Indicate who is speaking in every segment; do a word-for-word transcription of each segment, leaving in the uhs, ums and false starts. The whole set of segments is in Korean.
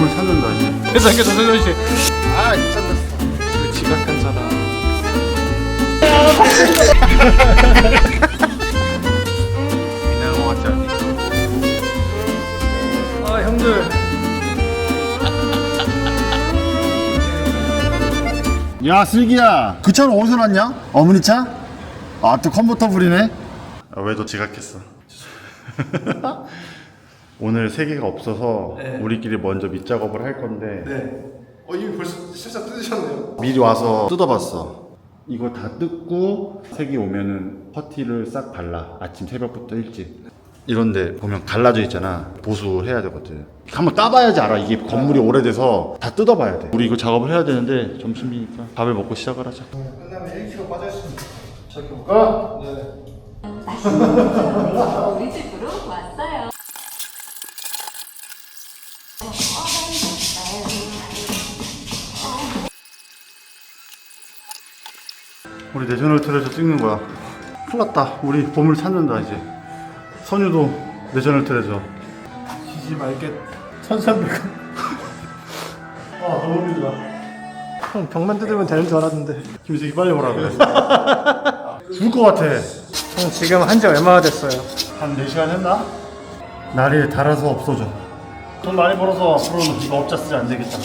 Speaker 1: 보물 찾는다 이제.
Speaker 2: 회사에서 선현 씨.
Speaker 3: 아 미쳤어.
Speaker 2: 그 지각한 사람.
Speaker 1: 미나노 왔잖니.
Speaker 2: 아 형들.
Speaker 3: 야 슬기야, 그 차는 어디서 났냐? 어머니 차? 아 또 컨버터블이네.
Speaker 1: 아, 왜 너 지각했어? 오늘 세 개가 없어서
Speaker 2: 네.
Speaker 1: 우리끼리 먼저 밑작업을 할 건데
Speaker 2: 네. 어 이미 벌써 실사 뜯으셨네요.
Speaker 1: 미리 와서 뜯어봤어. 이거 다 뜯고 세 개 오면은 퍼티를 싹 발라. 아침 새벽부터 일찍. 이런데 보면 갈라져 있잖아. 보수해야 되거든. 한번 따봐야지 알아. 이게 건물이 오래돼서 다 뜯어봐야 돼. 우리 이거 작업을 해야 되는데 점심이니까 밥을 먹고 시작을 하자.
Speaker 2: 끝나면 일 킬로그램 빠져있습니다. 저기 볼까? 네.
Speaker 4: 우리 집으로 왔어요.
Speaker 1: 우리 내셔널 트레저 찍는 거야. 큰일 났다. 우리 보물 찾는다 이제. 선유도 내셔널 트레저.
Speaker 2: 지지 말게. 천삼백 원.
Speaker 1: 아 너무 힘들다.
Speaker 2: 형 병만 뜯으면 되는 줄 알았는데.
Speaker 1: 김수기 빨리 오라 그래. 죽을 것 같아.
Speaker 2: 형 지금 한 지 얼마나 됐어요?
Speaker 1: 한 네 시간 했나? 날이 달아서 없어져. 돈 많이 벌어서 앞으로는 이거 업자 쓰지 안 되겠다.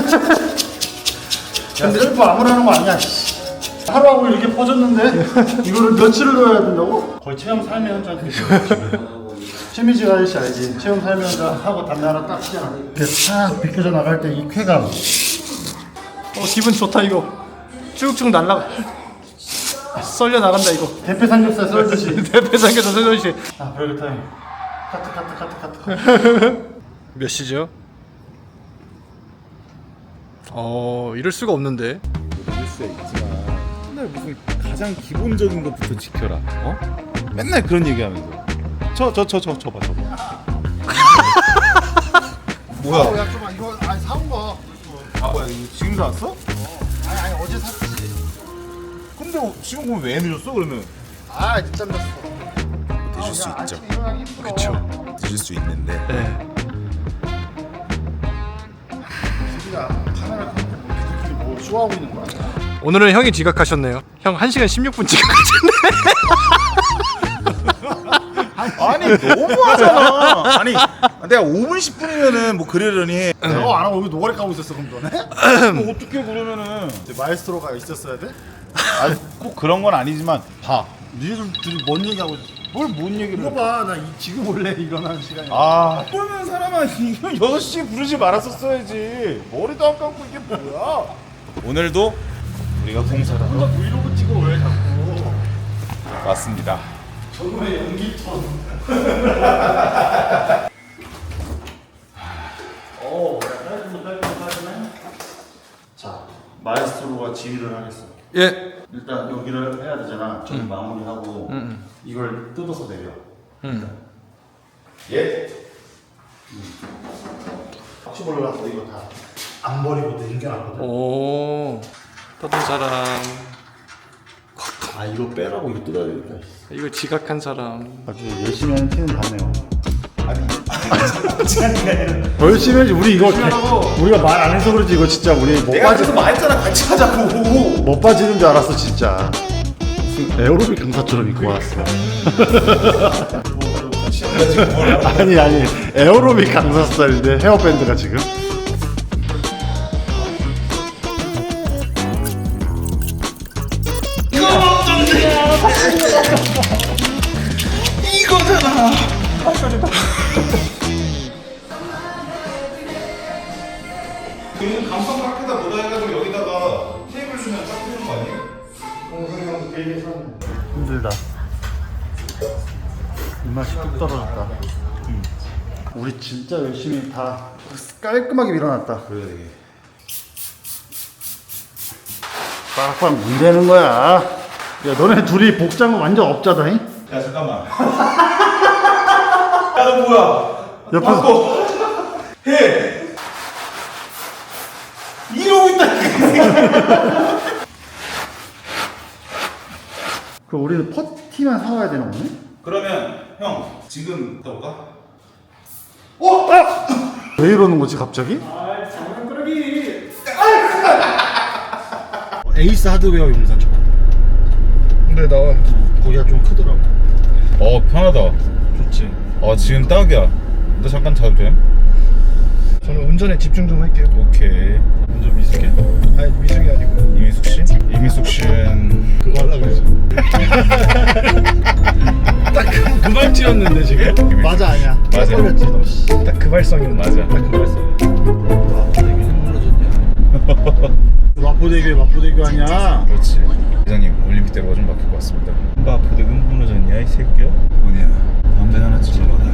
Speaker 1: 야 셀프 아무나 하는 거 아니야. 하루하고 이렇게 퍼졌는데 이거를 며칠을 넣어야 된다고? 거의 체험 삶의 현장. 최미지 아저씨 알지? 체험 삶의 현장 하고 담배 하나 딱 피잖아. 이렇게 싹 비켜져 나갈 때 이 쾌감.
Speaker 2: 어 기분 좋다 이거. 쭉쭉 날라가. 썰려 나간다 이거.
Speaker 1: 대패 삼겹살 썰듯이.
Speaker 2: 대패 삼겹살 선현 씨.
Speaker 1: 아 브레이크 타임. 카트 카트 카트 카트.
Speaker 2: 몇 시죠? 어 이럴 수가 없는데.
Speaker 5: 이럴 수 있지만 맨날 무슨 가장 기본적인 것부터 지켜라. 어? 맨날 그런 얘기하면서 저 저 저 저 저봐 저봐. 뭐야?
Speaker 3: 야 좀만 이거 아니 사온 거.
Speaker 5: 아 뭐야 이거 지금 사왔어?
Speaker 3: 아니 아니 어제 샀지.
Speaker 5: 근데 어, 지금 보면 왜 늦었어 그러면?
Speaker 3: 아 늦잠 잤어.
Speaker 5: 드실 수
Speaker 3: 야,
Speaker 5: 있죠.
Speaker 3: 아침에 일어나기 힘들어.
Speaker 2: 그쵸.
Speaker 5: 드실 수 있는데
Speaker 2: 네.
Speaker 3: 슬기야 카메라 켜놓고 뭐 니들끼리 뭐 쇼하고 있는 거야?
Speaker 2: 오늘은 형이 지각하셨네요. 형 한 시간 십육 분 지각하셨네.
Speaker 5: 아니 너무하잖아. 아니 내가 오 분 십 분이면은 뭐 그러려니
Speaker 3: 내가 안 하고 여기 노가리 까고 있었어 그럼 너네?
Speaker 5: 뭐 어떻게 그러면은
Speaker 3: 마에스트로가 있었어야 돼?
Speaker 5: 아니 꼭 그런 건 아니지만 봐.
Speaker 3: 니들 둘이 뭔 얘기하고 있어?
Speaker 5: 뭘뭔 얘기를
Speaker 3: 이거 봐, 나 이, 지금 원래 일어나는 시간이야.
Speaker 5: 아 그러면 사람아 이거 여섯 시에 부르지 말았었어야지. 머리도 안 감고 이게 뭐야. 오늘도 우리가 공사를 하러
Speaker 3: 브이로그 찍어 왜 자꾸?
Speaker 5: 왔습니다.
Speaker 3: 정말 연기톤.
Speaker 1: 오, 깔끔해 깔끔해. 자, 마에스트로가 지휘를 하겠어.
Speaker 2: 예.
Speaker 1: 일단 여기를 해야 되잖아. 저기 마무리하고
Speaker 2: 음.
Speaker 1: 이걸 뜯어서 내려.
Speaker 2: 음.
Speaker 1: 예. 혹시 몰라서 이거 다 안 버리고 남겨놨거든.
Speaker 2: 오. 떠든 사람.
Speaker 1: 아 이거 빼라고 이거 뜯어야 되겠다.
Speaker 2: 이거 지각한 사람.
Speaker 1: 아주 열심히 하는 티는 다네요. 아니, 열심히 해야지. 우리 이거 우리가 말 안 해서 그렇지 이거 진짜 우리 못 빠지
Speaker 5: 말했잖아 같이 하자고.
Speaker 1: 못 빠지는 줄 알았어 진짜. 무슨 에어로빅 강사처럼 입고 왔어. 아니 아니 에어로빅 강사 스타일인데 헤어밴드가 지금.
Speaker 5: 이거잖아. 그 감성 밖에다 뭐다 해가지고 여기다가 테이블 주면 딱 되는 거 아니에요?
Speaker 1: 힘들다. 입맛이 뚝 떨어졌다. 음. 우리 진짜 열심히 다 깔끔하게 밀어놨다.
Speaker 5: 그래 되게.
Speaker 1: 빡빡 문대는 거야. 야 너네 둘이 복장은 완전 업자다잉?
Speaker 5: 야 잠깐만. 야 너 뭐야?
Speaker 1: 옆에서
Speaker 5: 바꿔. 해. 이러고 있다.
Speaker 1: 그 우리는 퍼티만 사와야 되나 오늘?
Speaker 5: 그러면 형 지금 떠올까?
Speaker 1: 어? 아! 왜 이러는 거지 갑자기?
Speaker 2: 아
Speaker 3: 에이스 하드웨어 용산 쳐봐.
Speaker 2: 근데 나와.
Speaker 3: 거기가 좀 크더라고.
Speaker 5: 어 편하다.
Speaker 3: 좋지.
Speaker 5: 어 지금 딱이야. 너 잠깐 자도 돼?
Speaker 2: 저는 운전에 집중 좀 할게요.
Speaker 5: 오케이. 운전 미숙해?
Speaker 2: 아니 미숙이 아니고.
Speaker 5: 이미숙 씨? 이미숙 씨는
Speaker 2: 그거 하려고 했어. 딱그 말투였는데 지금.
Speaker 3: 맞아 아니야.
Speaker 5: 맞아.
Speaker 3: 걸렸지 너. 씨.
Speaker 2: 딱 그 발성이었는데.
Speaker 5: 맞아. 딱 그 말씀.
Speaker 3: 마포대교 마포대교 아니야.
Speaker 5: 그렇지. 회장님 올림픽대로가 좀 바뀔 것 같습니다. 마포대교 무너졌냐 이 새끼야? 뭐냐? 담배 하나 찔러봐라.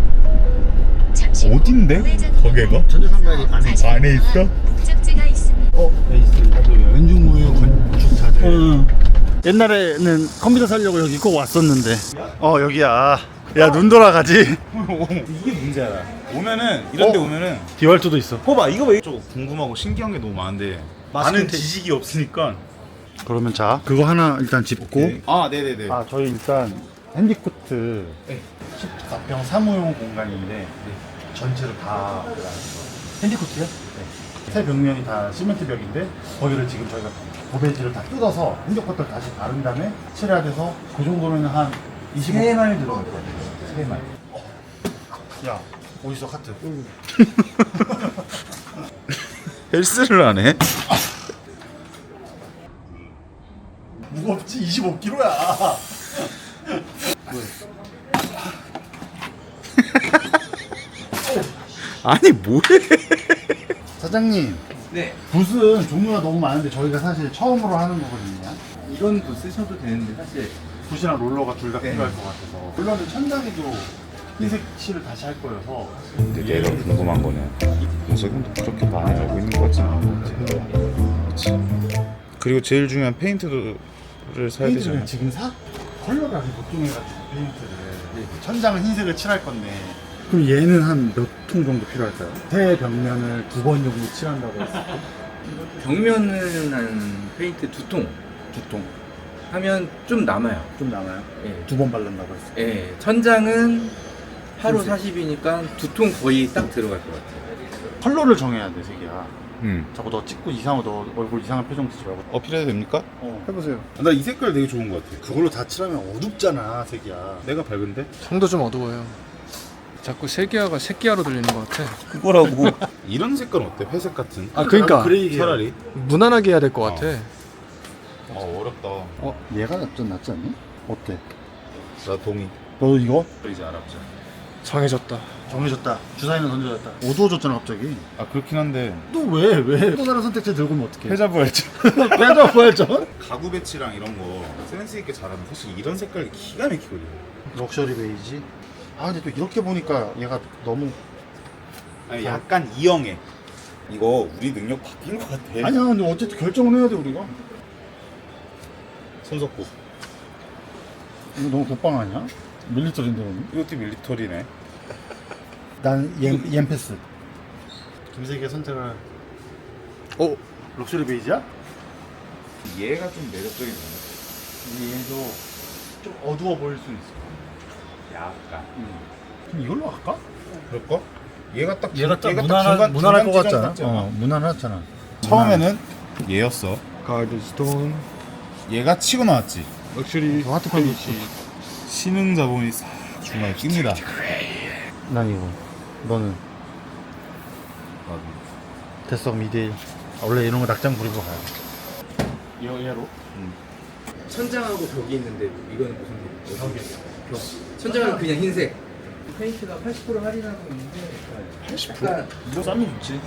Speaker 5: 어딘데? 거기가?
Speaker 3: 천재상가리 안에 있어.
Speaker 5: 안에 있어?
Speaker 4: 목적지가 있습니다.
Speaker 3: 어 에이스 하드웨어. 왼중무휴 건축 자재. 응. 옛날에는 컴퓨터 살려고 여기 꼭 왔었는데. 어 여기야. 야 눈 돌아가지.
Speaker 5: 이게 문제야. 오면은 이런 데
Speaker 3: 어?
Speaker 5: 오면은
Speaker 3: 디월트도 있어.
Speaker 5: 봐봐 이거 왜 좀 궁금하고 신기한 게 너무 많은데 많은
Speaker 3: 테이프.
Speaker 5: 지식이 없으니까.
Speaker 3: 그러면 자 그거 하나 일단 짚고.
Speaker 5: 네. 아 네네네.
Speaker 3: 아 저희 일단 핸디코트 십사 평 사무용 공간인데 전체를 다 핸디코트요? 네. 새 벽면이 다 시멘트 벽인데 거기를 지금 저희가 고베지를 다 뜯어서 핸디코트를 다시 바른 다음에 칠해야 돼서 그 정도면 한 이십오 마일 들어갈 것 같아요. 세 마일. 야 어디서 카트?
Speaker 5: 헬스를 안 해?
Speaker 3: 무겁지 이십오 킬로그램야.
Speaker 5: 아니 뭐해?
Speaker 3: 사장님.
Speaker 6: 네,
Speaker 3: 붓은 종류가 너무 많은데 저희가 사실 처음으로 하는 거거든요.
Speaker 6: 이건 또 쓰셔도 되는데 사실
Speaker 3: 붓이랑 롤러가 둘 다
Speaker 6: 네.
Speaker 3: 필요할 것 같아서. 롤러는 천장에도 흰색 칠을 다시 할 거여서.
Speaker 5: 근데 내가 궁금한 거는 우석이도 그렇게 많이 알고 있는 것 같지는 않은 것 같아. 그렇지. 그리고 제일 중요한 페인트를 사야
Speaker 3: 페인트를
Speaker 5: 되잖아.
Speaker 3: 지금 사? 컬러가 보통해가지고 페인트를. 천장은 흰색을 칠할 건데. 그럼 얘는 한 몇 통 정도 필요할까요? 새 벽면을 두 번 정도 칠한다고 했을 때?
Speaker 6: 벽면은 한 페인트 두 통
Speaker 3: 두 통.
Speaker 6: 하면 좀 남아요.
Speaker 3: 좀 남아요?
Speaker 6: 예,
Speaker 3: 두 번 바른다고 했을 때.
Speaker 6: 예, 천장은 하루
Speaker 3: 흰색.
Speaker 6: 사십이니까 두 통 거의 딱 들어갈 것 같아요.
Speaker 3: 컬러를 정해야 돼, 색이야.
Speaker 5: 응.
Speaker 3: 자꾸 너 찍고 이상하고 너 얼굴 이상한 표정 쓰지 말고.
Speaker 5: 어필해도 됩니까?
Speaker 3: 어, 해보세요.
Speaker 5: 나 이 색깔 되게 좋은 것 같아.
Speaker 3: 그걸로 다 칠하면 어둡잖아, 색이야.
Speaker 5: 내가 밝은데?
Speaker 2: 손도 좀 어두워요. 자꾸 세기야가 새끼야로 들리는 것 같아.
Speaker 5: 그거라고. 이런 색깔 어때? 회색 같은?
Speaker 2: 아 그러니까
Speaker 3: 그레이 계열.
Speaker 5: 차라리.
Speaker 2: 무난하게 해야 될 것 같아.
Speaker 5: 어 어렵다.
Speaker 3: 얘가 좀 낫지 않니? 어때?
Speaker 5: 나 동의.
Speaker 3: 너 이거?
Speaker 5: 이제 알았죠.
Speaker 2: 정해졌다.
Speaker 3: 정해졌다. 주사위는 던져졌다. 어두워졌잖아 갑자기.
Speaker 5: 아 그렇긴 한데
Speaker 3: 또 왜? 왜? 또 다른 선택지 들고 오면 어떡해?
Speaker 5: 패자부활전.
Speaker 3: 빼자 부활전?
Speaker 5: 가구 배치랑 이런 거 센스 있게 잘하면 사실 이런 색깔이 기가 막히거든.
Speaker 3: 럭셔리 베이지. 아 근데 또 이렇게 보니까 얘가 너무.
Speaker 5: 아니 약간 이영애. 이거 우리 능력 바뀐 것 같아.
Speaker 3: 아니야 근데 어쨌든 결정을 해야 돼 우리가.
Speaker 5: 손석구.
Speaker 3: 이거 너무 독방 아니야? 밀리터리인데 너는?
Speaker 5: 이것도 밀리터리네.
Speaker 3: 난 옌, 옌패스. 김세기의 선택을.
Speaker 2: 어?
Speaker 3: 럭셔리 베이지야?
Speaker 5: 얘가 좀 매력적이네.
Speaker 3: 얘도 좀 어두워 보일 수 있어.
Speaker 5: 약간.
Speaker 3: 그럼 이걸로 할까?
Speaker 5: 그럴까? 얘가 딱
Speaker 3: 얘가 딱
Speaker 5: 얘가
Speaker 3: 무난한
Speaker 5: 중간-
Speaker 3: 무난할 것
Speaker 5: 중간
Speaker 3: 같잖아.
Speaker 5: 지점 같잖아.
Speaker 3: 어, 무난하잖아.
Speaker 5: 처음에는 얘였어.
Speaker 2: 가드스톤
Speaker 5: 얘가 치고 나왔지.
Speaker 2: 럭셔리
Speaker 3: 저 하트펜
Speaker 5: 신흥 자본이 싹 중간에 낍니다.
Speaker 3: 난 이거. 너는 대석 미데일. 아, 원래 이런 거 낙장 부리고 가요. 얘 얘로?
Speaker 6: 천장하고 벽이 있는데 이거는 무슨 벽이야? 벽. 천장은 그냥 흰색. 페인트가 팔십 퍼센트 할인하고 있는데 팔십 퍼센트? 약간
Speaker 3: 뭐 싸면 좋지.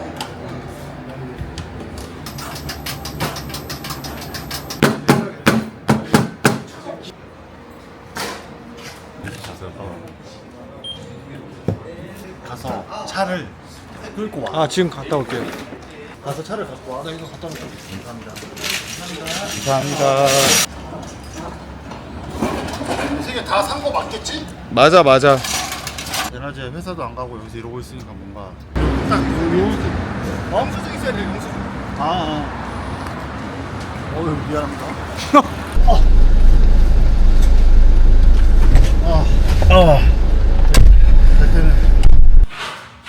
Speaker 3: 가서 차를 끌고 와.
Speaker 2: 아 지금 갔다 올게요.
Speaker 3: 가서 차를 갖고 와. 나 이거 갖다 놓을게. 감사합니다.
Speaker 5: 감사합니다.
Speaker 3: 세개 다 산 거 맞겠지?
Speaker 5: 맞아 맞아.
Speaker 3: 에너지 회사도 안 가고 여기서 이러고 있으니까 뭔가 딱 영수증 영수증 있어야 돼 영수증. 아, 아. 어휴 미안합니다. 아, 아, 아. 될 때는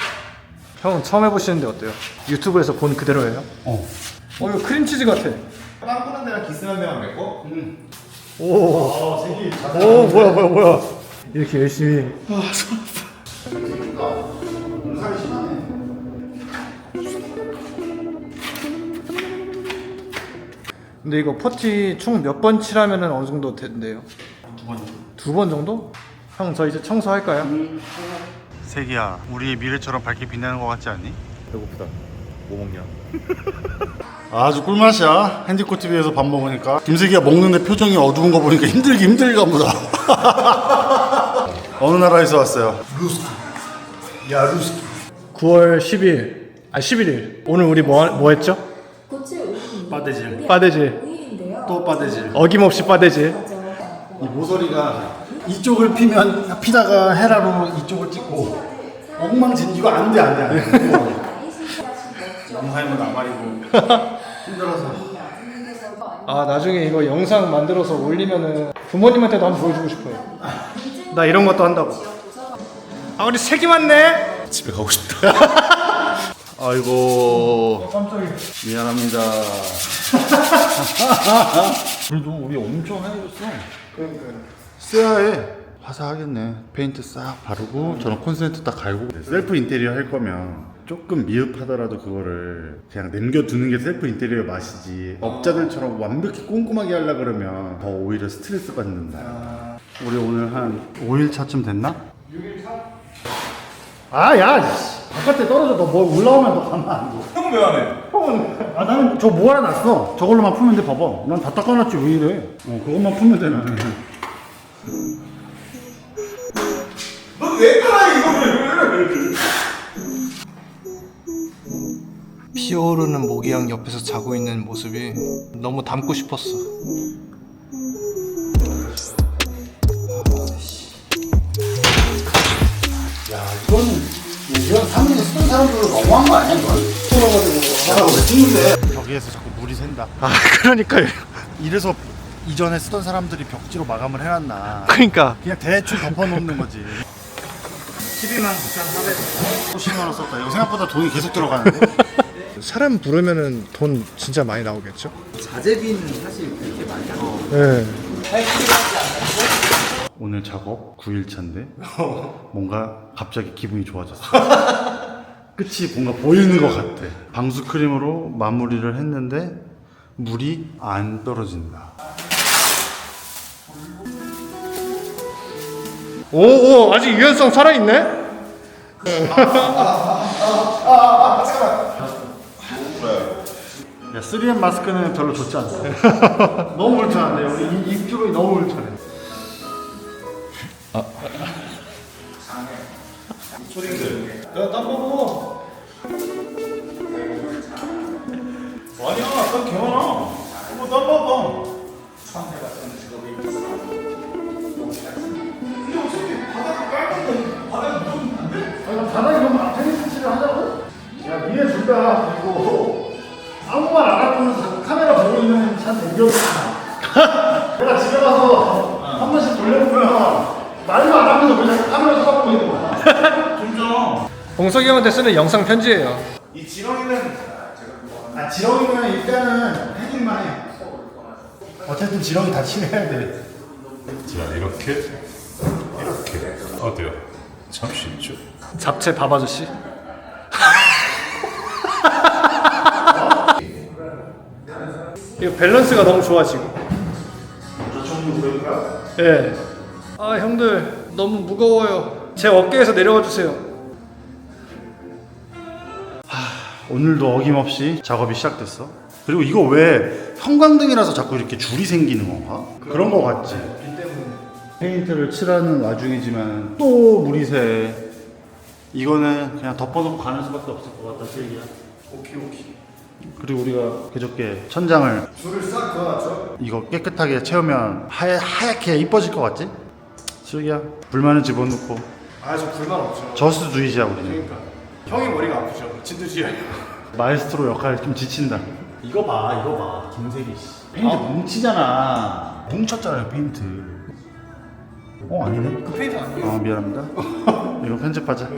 Speaker 2: 형은 처음 해보시는데 어때요? 유튜브에서 본 그대로예요?
Speaker 3: 어.
Speaker 2: 어 이거 크림치즈 같아.
Speaker 5: 빵꾸난 데랑 기스난 데만 맺고?
Speaker 2: 오, 오 뭐야 뭐야 뭐야. 이렇게 열심히.
Speaker 3: 공사가 심하네.
Speaker 2: 근데 이거 퍼티 총 몇 번 칠하면은 어느 정도 된대요?
Speaker 3: 두 번.
Speaker 2: 두 번 정도? 형 저 이제 청소할까요?
Speaker 3: 세기야, 우리의 미래처럼 밝게 빛나는 것 같지 않니?
Speaker 5: 배고프다. 뭐 먹냐?
Speaker 3: 아주 꿀맛이야. 핸디코트비에서 밥 먹으니까 김세기가 먹는데 표정이 어두운 거 보니까 힘들기 힘들가 보다. 어느 나라에서 왔어요? 루스키. 야 루스키.
Speaker 2: 구월 십일, 아 십일 일. 오늘 우리 뭐, 뭐 했죠?
Speaker 4: 고체 오일인데
Speaker 3: 빠데질.
Speaker 2: 빠데질.
Speaker 4: 오일인데요.
Speaker 3: 또 빠데질.
Speaker 2: 어김없이 빠데질.
Speaker 3: 이 모서리가 이쪽을 피면 피다가 헤라로 이쪽을 찍고 엉망진 이거 안돼 안돼 안돼. 영상이면 나발이고 힘들어서.
Speaker 2: 아 나중에 이거 영상 만들어서 올리면은 부모님한테도 한번 보여주고 싶어요. 나 이런 것도 한다고. 아 우리 색이 많네.
Speaker 5: 집에 가고 싶다.
Speaker 3: 아이고
Speaker 2: 깜짝이야.
Speaker 3: 미안합니다. 그래도 우리 엄청 하얘졌어.
Speaker 2: 그러니까요.
Speaker 3: 쎄하해. 화사하겠네. 페인트 싹 바르고 저는 콘센트 딱 갈고. 셀프 인테리어 할 거면 조금 미흡하더라도 그거를 그냥 남겨두는 게 셀프 인테리어 맛이지. 업자들처럼 완벽히 꼼꼼하게 하려 그러면 더 오히려 스트레스 받는다. 우리 오늘 한 오 일 차쯤 됐나?
Speaker 2: 육 일 차?
Speaker 3: 아, 야, 바깥에 떨어져. 너 뭐 올라오면 너 가만 안 둬.
Speaker 5: 형은 왜 안 해?
Speaker 3: 형은, 아, 나는 저 모아놨어. 저걸로만 풀면 돼, 봐봐. 난 다 닦아놨지, 왜 이래. 어, 그것만 풀면 돼, 나는.
Speaker 5: 너 왜 깔아 이거를?
Speaker 2: 피어오르는 모기향 옆에서 자고 있는 모습이 너무 닮고 싶었어.
Speaker 3: 야, 이거는, 이건 사무실 쓰던 사람들로 너무한 거 아니야, 이건? 뚫어가지고. 야, 왜 찍는데? 벽에서 자꾸 물이 샌다.
Speaker 2: 아 그러니까요.
Speaker 3: 이래서 이전에 쓰던 사람들이 벽지로 마감을 해놨나.
Speaker 2: 그러니까
Speaker 3: 그냥 대충 덮어놓는 거지.
Speaker 6: 십이만 구천사백 원.
Speaker 3: 십만 원 썼다. 이거 생각보다 돈이 계속 들어가는데?
Speaker 2: 사람 부르면은 돈 진짜 많이 나오겠죠?
Speaker 6: 자재비는 사실 그렇게 많이 안 나와요.
Speaker 2: 네.
Speaker 3: 오늘 작업 구 일 차인데 뭔가 갑자기 기분이 좋아졌어. 끝이 뭔가 보이는 것 같아. 방수 크림으로 마무리를 했는데 물이 안 떨어진다.
Speaker 2: 오오 아직 유연성 살아있네?
Speaker 3: 야, 쓰리엠 마스크는 별로 좋지 않다. 너무 울창한데 우리 입 주변이 너무 울창해.
Speaker 5: 야땀 먹어. 아니야 땀 개많아. 이거 땀 먹어.
Speaker 3: 아, 바닥에 너무 앞테니스 칠을 하자고? 야, 니네 둘 다 그리고 아무 말 안 하면서 카메라 보고 있는 차 대기업이야. 내가 집에 가서 한 번씩 돌려보면 말도 안 하면서 그냥 카메라 쳐다보고 있는 거야.
Speaker 5: 좀좀.
Speaker 2: 봉석이 형한테 쓰는 영상 편지예요.
Speaker 5: 이 지렁이는
Speaker 3: 아, 지렁이는 일단은 해줄만 해. 어쨌든 지렁이 다 칠해야 돼.
Speaker 7: 자 이렇게 이렇게 어때요? 참 쉽죠?
Speaker 2: 잡채 밥 아저씨. 이거 밸런스가 너무 좋아 지금. 예. 아 형들 너무 무거워요. 제 어깨에서 내려와 주세요.
Speaker 3: 오늘도 어김없이 작업이 시작됐어. 그리고 이거 왜 형광등이라서 자꾸 이렇게 줄이 생기는 건가? 그런 거 같지? 페인트를 칠하는 와중이지만 또 물이 새. 이거는 그냥 덮어놓고 가는 수밖에 없을 것 같다, 세기야.
Speaker 5: 오케이 오케이.
Speaker 3: 그리고 우리가 그저께 천장을
Speaker 5: 줄을 싹 그어놨죠.
Speaker 3: 이거 깨끗하게 채우면 하얗, 하얗게 이뻐질 것 같지? 슬기야, 불만은 집어넣고.
Speaker 2: 아저 불만 없죠.
Speaker 3: 저스트주의자 우리는.
Speaker 2: 그러니까 형이 머리가 아프죠. 진두지휘.
Speaker 3: 마에스트로 역할 좀 지친다. 이거 봐, 이거 봐, 김세기 씨. 페인트 뭉치잖아. 뭉쳤잖아요, 페인트. 어, 아니네.
Speaker 2: 그 페인트 아니에요?
Speaker 3: 어, 미안합니다. 이거 편집하자.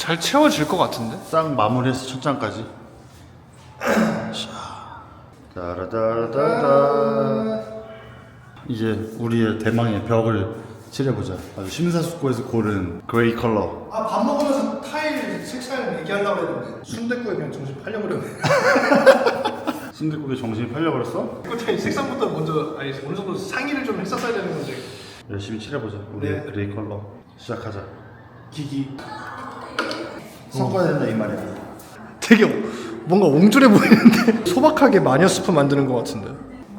Speaker 2: 잘 채워질 것 같은데?
Speaker 1: 싹 마무리해서 천장까지. 자, 따라따라따라. 이제 우리의 대망의 벽을 칠해보자. 아주 심사숙고해서 고른 그레이 컬러.
Speaker 2: 아, 밥 먹으면서 타일 색깔 얘기하려고 했는데 순댓국에 그냥 정신 팔려버렸네.
Speaker 1: 순댓국에 정신이 팔려버렸어?
Speaker 2: 그 타일 색상부터 먼저 아니 어느 정도 상의를 좀 했었어야 되는 건데.
Speaker 1: 열심히 칠해보자. 우리의
Speaker 2: 네.
Speaker 1: 그레이 컬러. 시작하자. 기기. 섞어야 된다 이 말이야.
Speaker 2: 되게 뭔가 옹졸해 보이는데 소박하게 마녀 스프 만드는 것 같은데.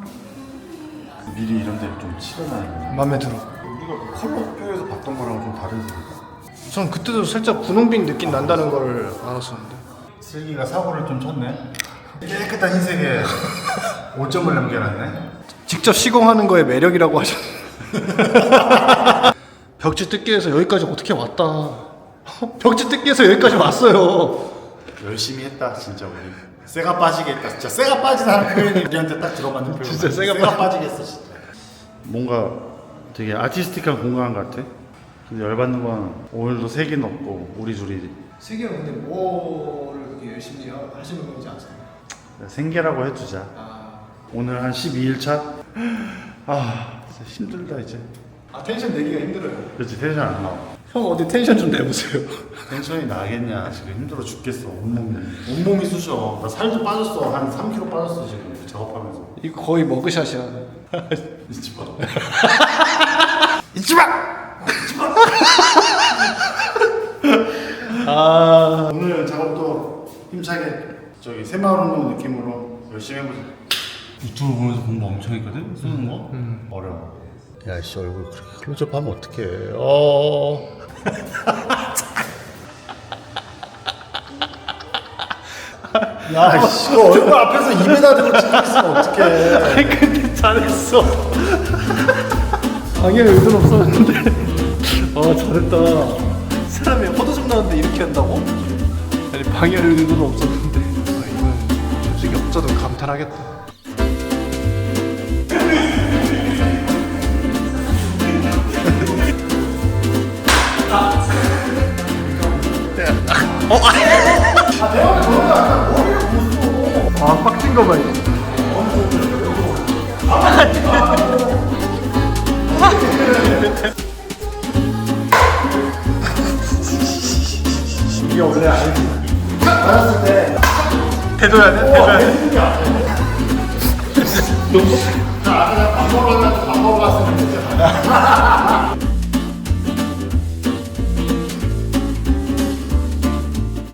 Speaker 1: 미리 이런 데를 좀 칠해놔야
Speaker 2: 마음에 들어.
Speaker 1: 우리가 컬러표에서 봤던 거랑 좀 다른 색이다.
Speaker 2: 전 그때도 살짝 분홍빛 느낌 난다는 걸 알았었는데.
Speaker 1: 슬기가 사고를 좀 쳤네. 깨끗한 흰색에 오 점을 남겨놨네.
Speaker 2: 직접 시공하는 거에 매력이라고 하셨는데. 벽지 뜯기에서 여기까지 어떻게 왔다. 벽지 뜯기에서 여기까지 왔어요.
Speaker 1: 열심히 했다 진짜 우리. 쇠가 빠지게 했다. 진짜 쇠가 빠지다는 표현이 우리한테 딱 들어맞는 표현.
Speaker 2: 진짜 쇠가
Speaker 1: 빠지겠어 진짜. 뭔가 되게 아티스틱한 공간 같아. 근데 열받는 건 오늘도 색이 없고 우리 둘이
Speaker 2: 세계 근데 뭐를 그렇게 열심히 하시는 건지 아세요?
Speaker 1: 생계라고 해두자.
Speaker 2: 아,
Speaker 1: 오늘 한 십이 일 차. 아 진짜 힘들다 이제.
Speaker 2: 아 텐션 내기가 힘들어요.
Speaker 1: 그렇지 텐션 안 나와.
Speaker 2: 형 어디 텐션 좀 내보세요.
Speaker 1: 텐션이 나겠냐 지금 힘들어 죽겠어. 온몸이 온몸이 쑤셔. 나 살도 빠졌어. 한 삼 킬로그램 빠졌어 지금 작업하면서.
Speaker 2: 이거 거의 머그샷이야.
Speaker 1: 잊지 마.
Speaker 2: 잊지 마. 아,
Speaker 1: 오늘 작업도 힘차게 저기 새마을 운동 느낌으로 열심히 해보자. 유튜브 보면서 공부 엄청 했거든? 쓰는 거?
Speaker 2: 음.
Speaker 1: 어려워. 야씨 얼굴 그렇게 클로즈업하면 어떡해. 어. 야, 씨, 그 얼굴 앞에서 입에다 대고 찍고 있으면 어떡해.
Speaker 2: 근데 잘했어. 방해할 의도는 없었는데. 아, 잘했다. 사람이 포도좀 나왔는데 이렇게 한다고? 아니, 방해할 의도는 없었는데. 아, 이건 솔직히 없어도 감탄하겠다. 아, 빡친 거 봐, 이거. 이게 원래 알지. 알았을 때. 대줘야 돼, 대줘야 돼.
Speaker 1: 자, 아까 밥 먹으러 갔는데 밥 먹으러 갔으면